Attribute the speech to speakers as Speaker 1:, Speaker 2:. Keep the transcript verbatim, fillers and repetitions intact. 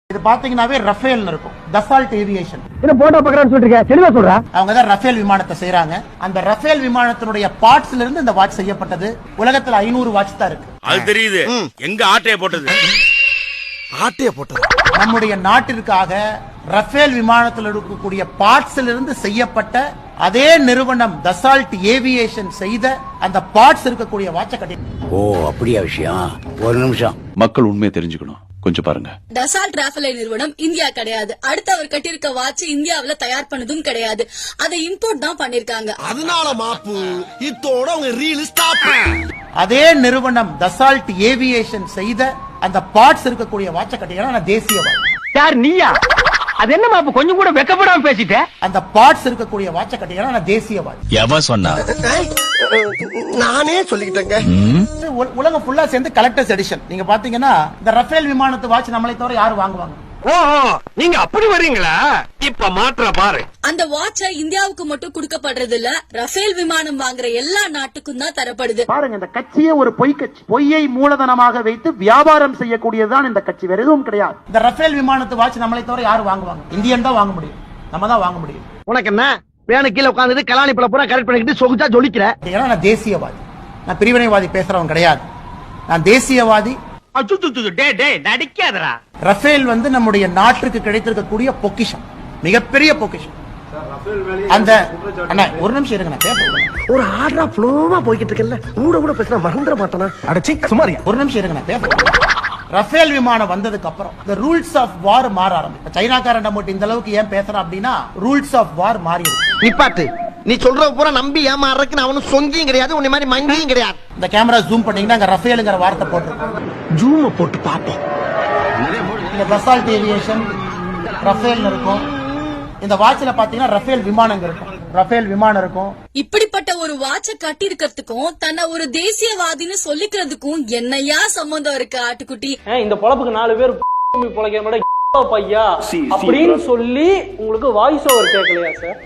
Speaker 1: இது பாத்தீங்கன்னாவே ரஃபேல் இருக்கும், தசால்ட் ஏவியேஷன்.
Speaker 2: என்ன போட்டோ பார்க்கறான்னு சொல்றீங்க, தெளிவா சொல்றா.
Speaker 1: அவங்க தான் ரஃபேல் விமானத்தை செய்றாங்க. அந்த ரஃபேல் விமானத்தினுடைய பார்ட்ஸ்ல இருந்து இந்த வாட்ச் செய்யப்பட்டது. உலகத்துல ஐநூறு வாட்ச் தான் இருக்கு.
Speaker 3: அது தெரியுது. எங்க ஆட்டைய போட்டது?
Speaker 4: ஆட்டைய போட்டது.
Speaker 1: நம்முடைய நாட்டிற்காக ரஃபேல் விமானத்தில் இருக்கக்கூடிய பார்ட்ஸ்ல இருந்து செய்யப்பட்ட அதே நிறுவனம் தசால்ட் ஏவியேஷன் செய்த அந்த பார்ட்ஸ் இருக்கக்கூடிய வாட்சை கட்டி.
Speaker 5: ஓ அப்படியா விஷயம். ஒரு நிமிஷம்,
Speaker 6: மக்கள் உண்மையை தெரிஞ்சுக்கணும், கொஞ்சம் பாருங்க.
Speaker 7: டசால்ட் ராஃபேல் நிறுவனம் இந்தியா கிடையாது. அடுத்து அவர் கட்டியிருக்க வாட்ச் இந்தியாவுல தயார் பண்ணதும் கிடையாது. அதை இம்போர்ட் தான் பண்ணிருக்காங்க.
Speaker 4: அதனால மாப்பு இத்தோட அவங்க ரீல் ஸ்டாப்.
Speaker 1: அதே நிறுவனம் தசால்ட் ஏவியேஷன் செய்த அந்த பார்ட்ஸ் இருக்கக்கூடிய வாட்சை கட்டிங்கன்னா தேசியவாதி.
Speaker 2: யார் நீயா? அது என்ன மாப்பு கொஞ்சம் கூட வெக்கப்படாம பேசிட்ட?
Speaker 1: அந்த பார்ட்ஸ் இருக்கக்கூடிய வாட்சை கட்டிங்கன்னா தேசியவாதி.
Speaker 5: எவன் சொன்னா?
Speaker 4: நானே சொல்லிக்கிட்டேங்க.
Speaker 1: உ- உலகம் ஃபுல்லா சேர்ந்து கலெக்டர்ஸ் எடிஷன். நீங்க பாத்தீங்கன்னா இந்த ரஃபேல் விமானத்து வாட்ச் நம்மளை தவிர யாரு வாங்குவாங்க?
Speaker 2: ஓ நீங்க அப்படி வர்றீங்களா? இப்ப மாற்ற பாரு.
Speaker 7: அந்த வாட்சை இந்தியாவுக்கு மட்டும் கொடுக்கப்படுறது இல்ல, ரஃபேல் விமானம் வாங்குற எல்லா நாட்டுக்கும் தான் தரப்படுது.
Speaker 1: பாருங்க, இந்த கட்சியே ஒரு பொய் கட்சி. பொய்யை மூலதனமாக வைத்து வியாபாரம் செய்யக்கூடியதுதான் இந்த கட்சி, வேற எதுவும் கிடையாது. இந்த ரஃபேல் விமானத்து வாட்ச் நம்மளை தவிர யாரு வாங்குவாங்க? இந்தியன் தான் வாங்க முடியும், நம்ம தான் வாங்க முடியும்.
Speaker 2: உனக்கு என்ன வேணும்? கீழே உட்காந்துட்டு கலாணி பழ பூரா கரெக்ட் பண்ணிக்கிட்டு சொகுச்சா ஜொலிக்கிற.
Speaker 1: ஏன்னா நான் தேசியவாதி, நான் பிரிவினைவாதி பேசுறவன் கிடையாது. நான் தேசியவாதி.
Speaker 2: நடிக்காதரா.
Speaker 1: ரஃபேல் வந்து நம்முடைய நாட்டுக்கு கிடைத்திருக்கக்கூடிய பொக்கிஷம், மிகப்பெரிய பொக்கிஷம். அந்த அண்ணா ஒரு நிமிஷம் இருங்க, நான் பேசுறேன்.
Speaker 4: ஒரு ஆர்டரா ஃப்ளோவா போய்கிட்டு இருக்கல, கூட கூட பேசினா மறந்துட மாட்டானா?
Speaker 2: அடச்சி சுமாரியா.
Speaker 1: ஒரு நிமிஷம் இருங்க, நான் பேசுறேன். ரஃபேல் விமானம் வந்ததுக்கு அப்புறம் இந்த ரூல்ஸ் ஆஃப் வார் மாற ஆரம்பிச்சு. சைனாக்காரன் மட்டும் இந்த அளவுக்கு ஏன் பேசுறான் அப்படின்னா ரூல்ஸ் ஆஃப் வார் மாறி இருக்கு.
Speaker 4: நிப்பாட்டு. நீ சொல்ற பூரா நம்பி ஏமாறதுக்கு அவனும் சொங்கியும் கிடையாது, உன்னை மாதிரி மங்கியும் கிடையாது.
Speaker 1: இந்த கேமரா ஜூம் பண்ணீங்கன்னா அங்க ரஃபேலுங்கிற வார்த்தை போட்டிருக்காங்க.
Speaker 4: ஜூம போட்டு பாப்போம்.
Speaker 1: இந்த தசால்ட் ஏவியேஷன் ரஃபேல் இருக்கும். இந்த வாட்ச்ல பாத்தீங்கன்னா ரஃபேல் விமானம் இருக்கும், ரஃபேல் விமானம் இருக்கும்.
Speaker 7: இப்படிப்பட்ட ஒரு வாட்சை கட்டி இருக்கிறதுக்கும் தன்னை ஒரு தேசியவாதின்னு சொல்லிக்கிறதுக்கும் என்னையா சம்பந்தம் இருக்கு ஆட்டுக்குட்டி?
Speaker 8: இந்த பொழப்புக்கு நாலு பேர் பொழைக்கிற பையா அப்படின்னு சொல்லி உங்களுக்கு வாய்ஸ் ஓவர் கேட்கலையா சார்?